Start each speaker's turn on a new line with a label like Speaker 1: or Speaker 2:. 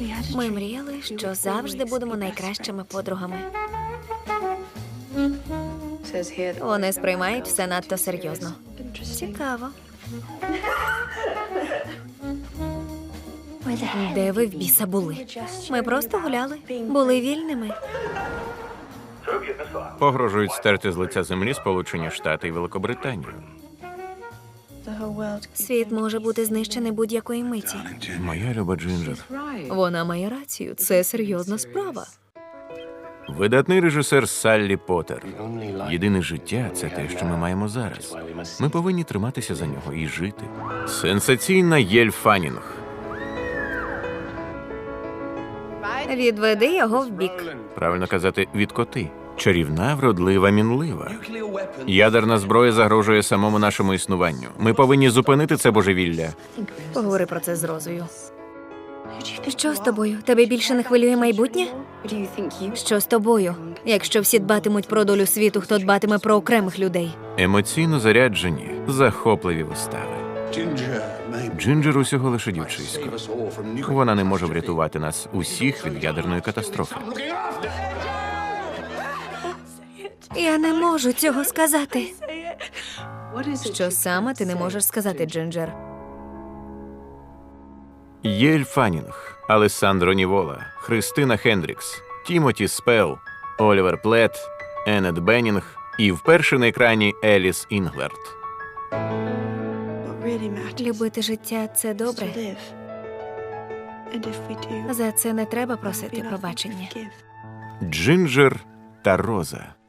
Speaker 1: Ми мріяли, що завжди будемо найкращими подругами. Вони сприймають все надто серйозно. Цікаво. Де ви в біса були? Ми просто гуляли. Були вільними.
Speaker 2: Погрожують стерти з лиця землі Сполучені Штати і Великобританію.
Speaker 1: Світ може бути знищений будь-якої миті.
Speaker 2: Моя люба Джинджер.
Speaker 1: Вона має рацію. Це серйозна справа.
Speaker 2: Видатний режисер Саллі Поттер. Єдине життя – це те, що ми маємо зараз. Ми повинні триматися за нього і жити. Сенсаційна Єль Фаннінг.
Speaker 1: Відведи його в бік.
Speaker 2: Правильно казати, відкоти. Чарівна, вродлива, мінлива. Ядерна зброя загрожує самому нашому існуванню. Ми повинні зупинити це божевілля.
Speaker 1: Поговори про це з Розою. Що з тобою? Тебе більше не хвилює майбутнє? Що з тобою? Якщо всі дбатимуть про долю світу, хто дбатиме про окремих людей?
Speaker 2: Емоційно заряджені, захопливі вистави. Джинджер усього лише дівчисько. Вона не може врятувати нас усіх від ядерної катастрофи.
Speaker 1: Я не можу цього сказати. Що саме ти не можеш сказати, Джинджер?
Speaker 2: Єль Фаннінг, Алессандро Нівола, Христина Хендрікс, Тімоті Спел, Олівер Плет, Еннет Беннінг і вперше на екрані Еліс Інглерт.
Speaker 1: Любити життя – це добре. За це не треба просити пробачення.
Speaker 2: Джинджер та Роза.